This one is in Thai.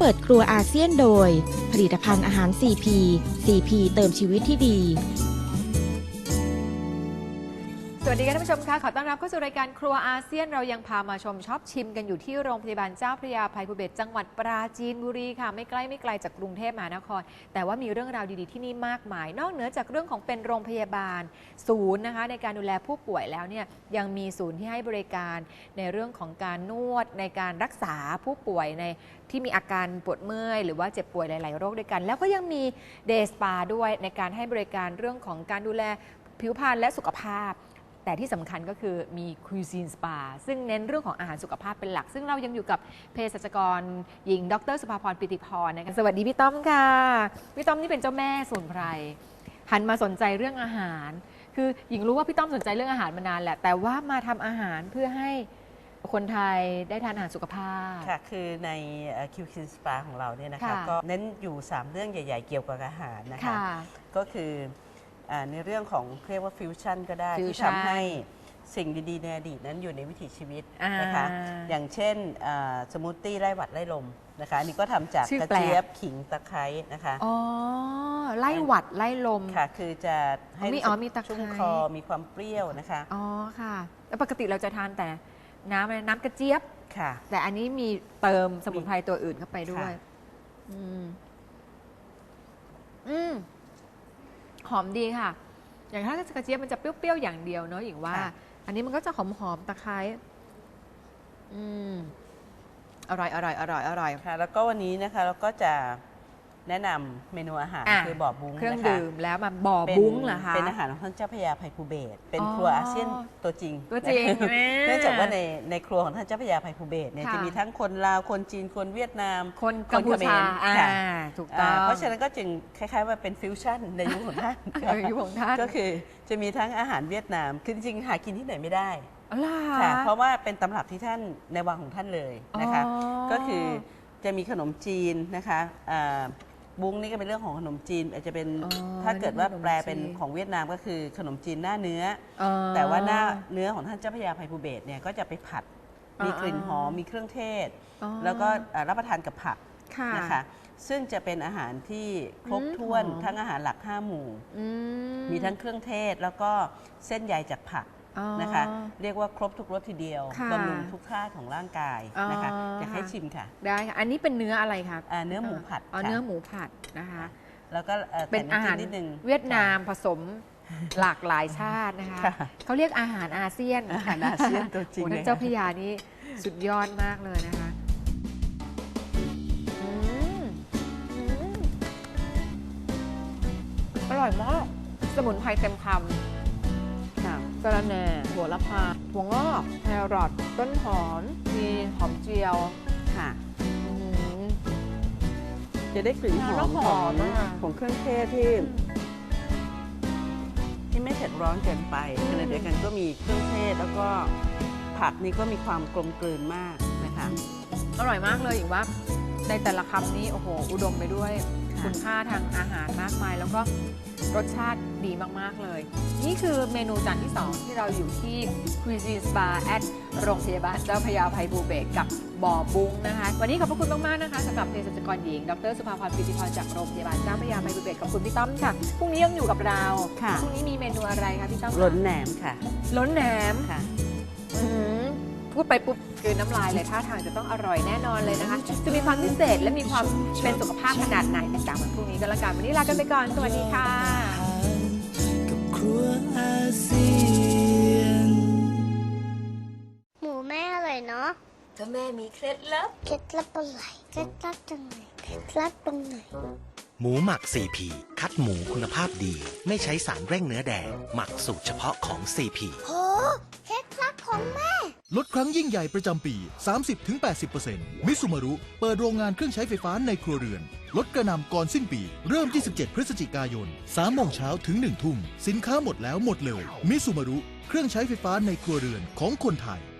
เปิดครัวอาเซียนโดยผลิตภัณฑ์อาหาร CP CP เติมชีวิตที่ดีสวัสดีค่ะท่านผู้ชมค่ะขอต้อนรับเข้าสู่รายการครัวอาเซียนเรายังพามาชมชอบชิมกันอยู่ที่โรงพยาบาลเจ้าพระยาภัยภูเบศรจังหวัดปราจีนบุรีค่ะไม่ไกลจากกรุงเทพมหานครแต่ว่ามีเรื่องราวดีๆที่นี่มากมายนอกเหนือจากเรื่องของเป็นโรงพยาบาลศูนย์นะคะในการดูแลผู้ป่วยแล้วเนี่ยยังมีศูนย์ที่ให้บริการในเรื่องของการนวดในการรักษาผู้ป่วยในที่มีอาการปวดเมื่อยหรือว่าเจ็บป่วยหลายๆโรคด้วยกันแล้วก็ยังมีเดย์สปาด้วยในการให้บริการเรื่องของการดูแลผิวพรรณและสุขภาพแต่ที่สำคัญก็คือมีคุยซีนสปาซึ่งเน้นเรื่องของอาหารสุขภาพเป็นหลักซึ่งเรายังอยู่กับเภสัชกรหญิงดรสุภาพรปิติพรนะคะสวัสดีพี่ต้อมค่ะพี่ต้อมนี่เป็นเจ้าแม่สมุนไพรหันมาสนใจเรื่องอาหารคือหญิงรู้ว่าพี่ต้อมสนใจเรื่องอาหารมานานแหละแต่ว่ามาทำอาหารเพื่อให้คนไทยได้ทานอาหารสุขภาพค่ะคือในคิวคินสปาของเราเนี่ยนะคะก็เน้นอยู่3เรื่องใหญ่ๆเกี่ยวกับอาหารนะคะก็คือในเรื่องของเรียกว่าฟิวชั่นก็ได้ที่ทำให้สิ่งดีๆในอดีตนั้นอยู่ในวิถีชีวิตนะคะอย่างเช่นสมูทตี้ไล่หวัดไล่ลมนะคะอันนี้ก็ทำจากกระเจี๊ยบขิงตะไคร้นะคะอ๋อไล่หวัดไล่ลมค่ะคือจะให้มีตะไคร้ชุ่มคอมีความเปรี้ยวนะคะอ๋อค่ะแล้วปกติเราจะทานแต่น้ำกระเจี๊ยบค่ะแต่อันนี้มีเติมสมุนไพรตัวอื่นเข้าไปด้วยหอมดีค่ะอย่างถ้ากระเจี๊ยบมันจะเปรี้ยวๆอย่างเดียวเนาะอย่างว่าอันนี้มันก็จะหอมตะไคร้อร่อยค่ะแล้วก็วันนี้นะคะเราก็จะแนะนำเมนูอาหารคือบ่อบุ้งเครื่องดื่มแล้วมาบ่อบุ้งเหรอคะเป็นอาหารของท่านเจ้าพระยาภัยภูเบศรเป็นครัวอาเซียนตัวจริงเนื่องจากว่าในครัวของท่านเจ้าพระยาภัยภูเบศรเนี่ยจะมีทั้งคนลาวคนจีนคนเวียดนามคนกัมพูชาถูกต้องเพราะฉะนั้นก็จึงคล้ายๆว่าเป็นฟิวชั่นในยุคของท่านก็คือจะมีทั้งอาหารเวียดนามคือจริงๆหากินที่ไหนไม่ได้ค่ะเพราะว่าเป็นตำรับที่ท่านในวังของท่านเลยนะคะก็คือจะมีขนมจีนนะคะบุ้งนี่ก็เป็นเรื่องของขนมจีนอาจจะเป็นถ้าเกิดว่าแปลเป็นของเวียดนามก็คือขนมจีนหน้าเนื้อแต่ว่าหน้าเนื้อของท่านเจ้าพระยาภัยภูเบศรเนี่ยก็จะไปผัดมีกลิ่นหอมมีเครื่องเทศแล้วก็รับประทานกับผักนะคะซึ่งจะเป็นอาหารที่ครบถ้วนทั้งอาหารหลัก5หมู่มีทั้งเครื่องเทศแล้วก็เส้นใยจากผักนะคะเรียกว่าครบทุกรสทีเดียวบำรุงทุกธาตุของร่างกายนะคะอยากให้ชิมค่ะได้ค่ะอันนี้เป็นเนื้ออะไรคะเนื้อหมูผัดเนื้อหมูผัดนะคะแล้วก็เป็นอาหารเวียดนามผสมหลากหลายชาตินะคะเขาเรียกอาหารอาเซียนอาหารอาเซียนตัวจริงท่านเจ้าพระยานี่สุดยอดมากเลยนะคะอร่อยมากสมุนไพรเต็มคำกระแหน่หัวละพาถั่วงอกแครอทต้นหอมมีหอมเจียวค่ะจะได้กลิ่นหอมของเครื่องเทศที่ไม่เผ็ดร้อนเกินไปขณะเดียวกันก็มีเครื่องเทศแล้วก็ผักนี่ก็มีความกลมกลืนมากนะคะอร่อยมากเลยอย่างว่าในแต่ละคำนี้โอ้โหอุดมไปด้วยคุณค่าทางอาหารมากมายแล้วก็รสชาติดีมากๆเลยนี่คือเมนูจานที่2ที่เราอยู่ที่ Cuisine Spa at โรงพยาบาลเจ้าพระยาภัยภูเบศรกับบ่อบุ้งนะคะวันนี้ขอบพระคุณมากๆนะคะสำหรับเภสัชกรหญิงดรสุภาพรปิติพรจากโรงพยาบาลเจ้าพระยาภัยภูเบศรขอบคุณพี่ต้อมค่ะพรุ่งนี้ยังอยู่กับเราพรุ่งนี้มีเมนูอะไรคะพี่ต้อมล้นแหนมค่ะล้นแหนมค่ะพูดไปปุ๊บกลืนน้ำลายเลยท่าทางจะต้องอร่อยแน่นอนเลยนะคะจะมีความพิเศษและมีความเป็นสุขภาพขนาดไหนติดตามวันพรุ่งนี้ก็แล้วกันวันนี้ลากันไปก่อนสวัสดีค่ะกับครัวอาเซียนหมูแม่อร่อยเนาะก็แม่มีเคล็ดลับอะไรเคล็ดลับจังไหนเคล็ดลับตรงไหนหมูหมัก CP คัดหมูคุณภาพดีไม่ใช้สารเร่งเนื้อแดงหมักสูตรเฉพาะของ CP โหเคล็ดลับของแม่ลดครั้งยิ่งใหญ่ประจำปี 30-80% มิซูมารุเปิดโรงงานเครื่องใช้ไฟฟ้าในครัวเรือนลดกระหน่ำก่อนสิ้นปีเริ่ม 27 พฤศจิกายน 3 โมงเช้าถึง 1 ทุ่มสินค้าหมดแล้วหมดเร็วมิซูมารุเครื่องใช้ไฟฟ้าในครัวเรือนของคนไทย